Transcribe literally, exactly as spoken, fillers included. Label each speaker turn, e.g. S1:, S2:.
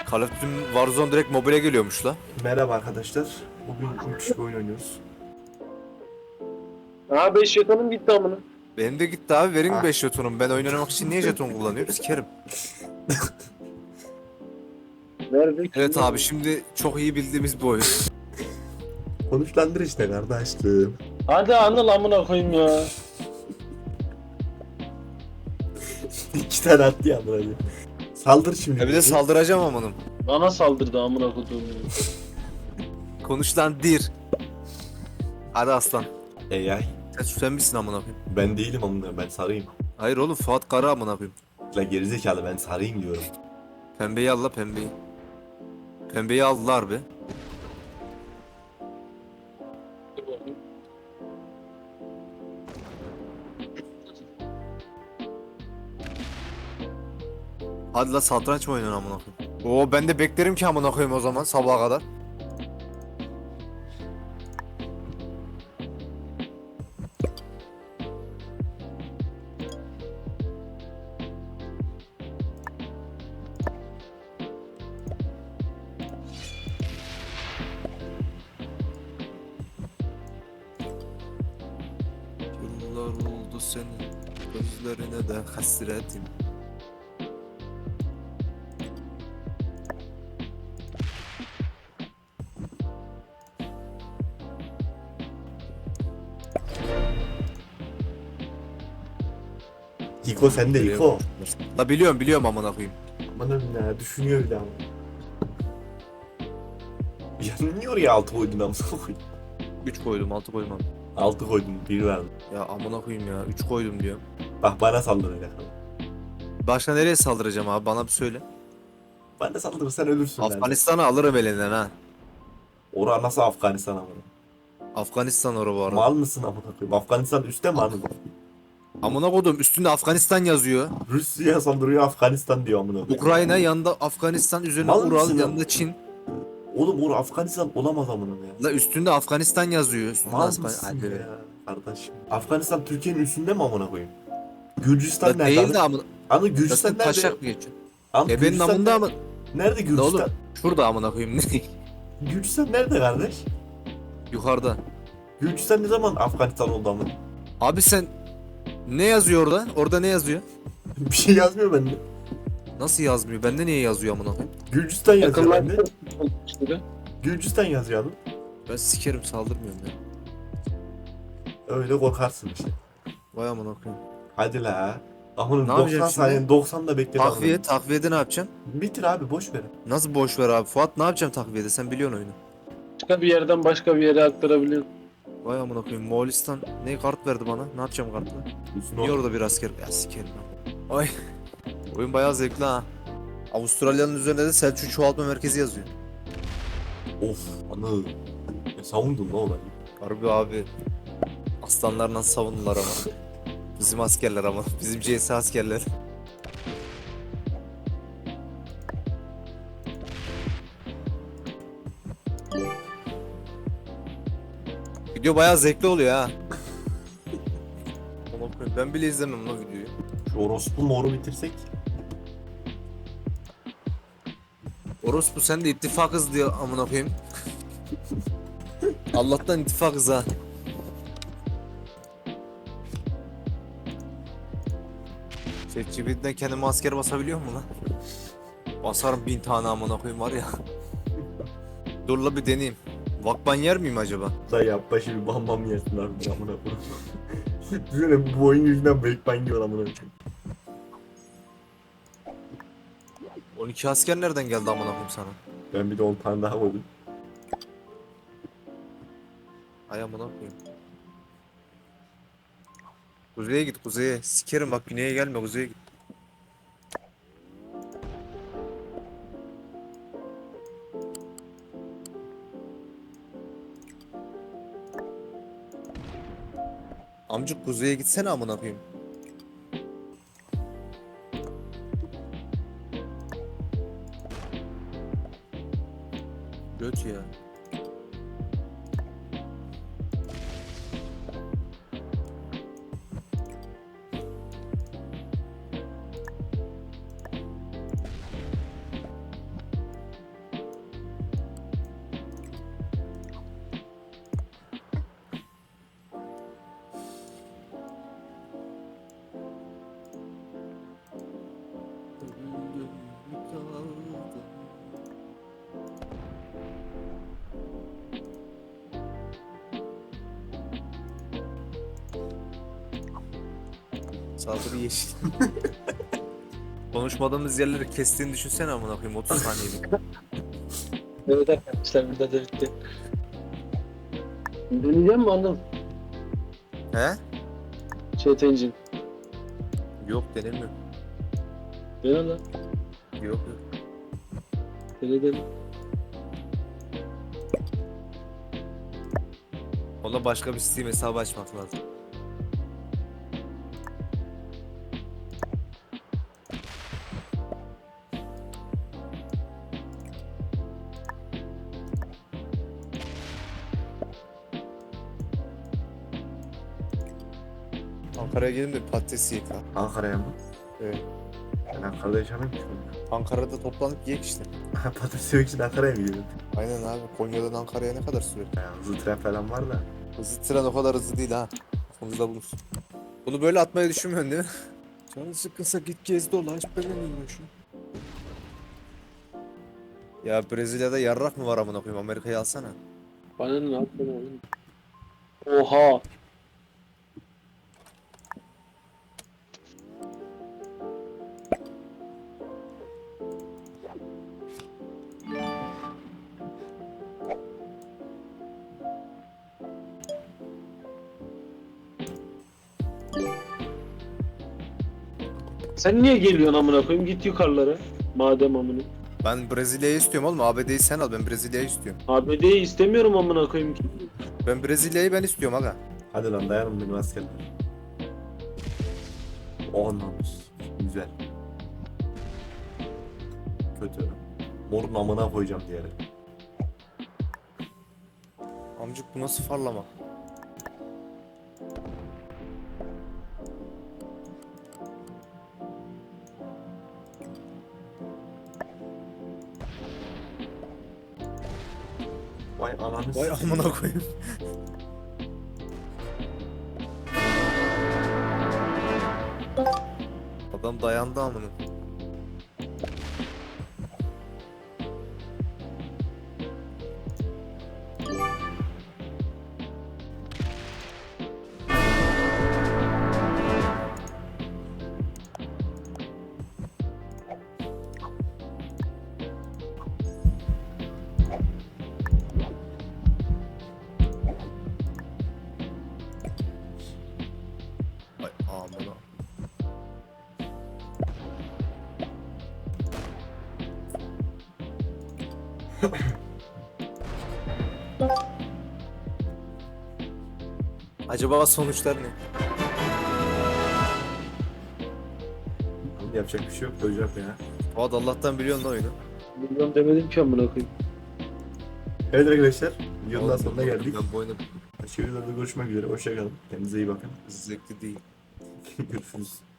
S1: Call of Duty Warzone direkt mobile geliyormuş la.
S2: Merhaba arkadaşlar. Bugün müthiş bir oyun oynuyoruz.
S3: Aa beş jetonum gitti amına.
S1: Benim de gitti abi, verin
S2: Ah.
S1: beş jetonum. Ben oynamak için niye jeton kullanıyorum? Sikerim.
S3: Nerede?
S1: Evet abi, şimdi çok iyi bildiğimiz bir oyun.
S2: Konuşlandır işte kardeşim.
S3: Hadi Anıl amına koyayım ya.
S2: İki tane attı ya buraya. Saldır şimdi.
S1: Ya bir de saldıracağım amanım.
S3: Bana saldırdı amına koyduğum.
S1: Konuş lan dir. Hadi aslan.
S2: Ey ay.
S1: Sen, sen misin amına koyayım?
S2: Ben değilim amına, ben sarıyım.
S1: Hayır oğlum, Fuat Kara amına koyayım.
S2: La gerizekalı, ben sarıyım diyorum.
S1: Pembeyi al la, pembeyi. Pembeyi aldılar be. Hadi la, satranç mı oynuyorsun amına koyayım? Oo, ben de beklerim ki amına koyayım o zaman sabaha kadar. Yıllar oldu senin gözlerine de hasretim.
S2: Hiko sen de Hiko.
S1: La biliyorum biliyorum amına koyayım.
S2: Aman ya, düşünüyor bir daha. Yanıyor ya, altı koydun amına koyayım.
S1: üç koydum, altı koydum abi.
S2: Altı koydun, bir verdim.
S1: Ya amına koyayım ya, üç koydum diyorum.
S2: Bak bana saldıracak.
S1: Başka nereye saldıracağım abi, bana bir söyle.
S2: Bana saldırırsan ölürsün. Afganistan.
S1: Afganistan'ı alırım elinden ha.
S2: Ora nasıl Afganistan amına?
S1: Afganistan orası bu arada.
S2: Mal mısın amına koyayım? Afganistan üstte mi anladın?
S1: Amına koydum, üstünde Afganistan yazıyor.
S2: Rusya saldırıyor, Afganistan diyor amına koyayım.
S1: Ukrayna yanında Afganistan, üzerine
S2: Mal
S1: Ural,
S2: mısın
S1: yanında
S2: ya?
S1: Çin.
S2: Oğlum or Afganistan olamaz amına ya.
S1: La üstünde Afganistan yazıyor. Üstünde
S2: Mal
S1: Afgan-
S2: mısın
S1: Hadi be.
S2: ya kardeşim? Afganistan Türkiye'nin üstünde mi amına koyayım? Gürcistan
S1: La
S2: nerede?
S1: değil de amına.
S2: Anı
S1: La
S2: Gürcistan
S1: sen
S2: nerede?
S1: taşak mı geçiyorsun?
S2: Anı
S1: Ebenin
S2: Gürcistan
S1: amında
S2: nerede?
S1: mı?
S2: Nerede
S1: Ne
S2: Gürcistan?
S1: oğlum? Şurada amına koyayım.
S2: Gürcistan nerede kardeş?
S1: Yukarıda.
S2: Gürcistan ne zaman Afganistan oldu amına?
S1: Abi sen ne yazıyor orada? Orada ne yazıyor?
S2: Bir şey yazmıyor bende.
S1: Nasıl yazmıyor? Bende niye yazıyor amına koyayım?
S2: Gürcistan yazıyor bende.
S3: Yakınlar.
S2: Gürcistan yazıyor abi.
S1: Ben sikerim, saldırmıyorum ya.
S2: Öyle korkarsın işte.
S1: Vay amına koyayım.
S2: Hadi la. Amına
S1: Ne
S2: doksan
S1: yapacağım
S2: saniye
S1: şimdi?
S2: doksan da bekle.
S1: Takviye, takviyede ne yapacağım?
S2: Bitir abi, boş ver.
S1: Nasıl boş ver abi? Fuat ne yapacağım takviyede? Sen biliyorsun oyunu.
S3: Başka bir yerden başka bir yere aktarabiliyorum.
S1: Vay amına koyayım. Moğolistan ne kart verdi bana? Ne yapacağım kartla?
S2: Üstüne
S1: Niye
S2: otur.
S1: orada bir asker? Ya sikerim ben. Ay. Oyun bayağı zevkli ha. Avustralya'nın üzerinde de Selçuk Çoğaltma Merkezi yazıyor.
S2: Of anı. Ne savundun ne olayı?
S1: Harbi abi. Aslanlar nasıl savundular ama. Bizim askerler ama. Bizim C S askerler. Video bayağı zevkli oluyor ha. Amına koyayım, ben bile izlemem lan videoyu.
S2: Şu orospu moru bitirsek.
S1: Orospu, sen de ittifakız diye amına koyayım. Allah'tan ittifakız ha. ChatGPT'den kendime asker basabiliyor mu lan? Basarım bin tane amına koyayım var ya. Dur la bir deneyeyim. Vakban yer miyim acaba?
S2: Da yap başı bir bam bam yersin abi amına koyayım. Düşünsene bu oyun yüzünden break ban yiyor amına koyayım.
S1: on iki asker nereden geldi amına koyayım sana?
S2: Ben bir de on tane daha koydum.
S1: Ay amına koyayım. Kuzeye git, kuzeye. Sikerim bak, güneye gelme, kuzeye git. Amcık kuzeye gitsene amına koyayım. Göt ya. Saldırı yeşil. Konuşmadığımız yerleri kestiğini düşünsene amına koyayım otuz saniyelik.
S3: Evet arkadaşlar burada da bitti. Deneyeceğim mi Anıl?
S1: He?
S3: Chat engine.
S1: Yok denemiyor.
S3: Dene lan.
S1: Yok yok.
S3: Dene dene.
S1: Ona başka bir Steam hesabı açmak lazım. Ankara'ya gelin de patates yiyek lan.
S2: Ankara'ya mı?
S1: Evet.
S2: Ben Ankara'da yaşamıyorum ki.
S1: Ankara'da toplanıp yiyek işte.
S2: Patates yemek için Ankara'ya mı gidiyorsun?
S1: Aynen abi. Konya'dan Ankara'ya ne kadar sürer?
S2: Yani hızlı tren falan var da.
S1: Hızlı tren o kadar hızlı değil ha. Aklınızda bulunsun. Bunu böyle atmayı düşünmüyorsun değil mi? Canın sıkınsa git gez dolaş ben şu. Ya Brezilya'da yarrak mı var amına koyayım? Amerika'yı alsana.
S3: Bana ne yaptın oğlum? Oha. Sen niye geliyorsun amına koyayım? Git yukarılara. Madem amına.
S1: Ben Brezilya'yı istiyorum oğlum. A B D'yi sen al. Ben Brezilya'yı istiyorum.
S3: A B D'yi istemiyorum amına koyayım.
S1: Ben Brezilya'yı ben istiyorum aga.
S2: Hadi lan dayanın benim askerler. On namus. Güzel. Kötü. Morun amına koyacağım diğeri.
S1: Amcık bu nasıl farlama?
S2: Vay ananı
S1: Vay
S2: sikeyim.
S1: amına koyayım. Adam dayandı amına. Vay amına. Acaba sonuçlar ne?
S2: Oğlum yapacak bir şey yok. Öleceğim ya.
S1: Fuat Allah'tan biliyorsun lan oyunu.
S3: Bilmiyorum demedim ki amına koyayım.
S2: Evet arkadaşlar. Videonun
S1: Oğlum,
S2: sonuna geldik.
S1: Ben bu oyunu
S2: Başka videolarda görüşmek üzere. Hoşçakalın. Kendinize iyi bakın.
S1: zevkli değil.
S2: Görüşürüz.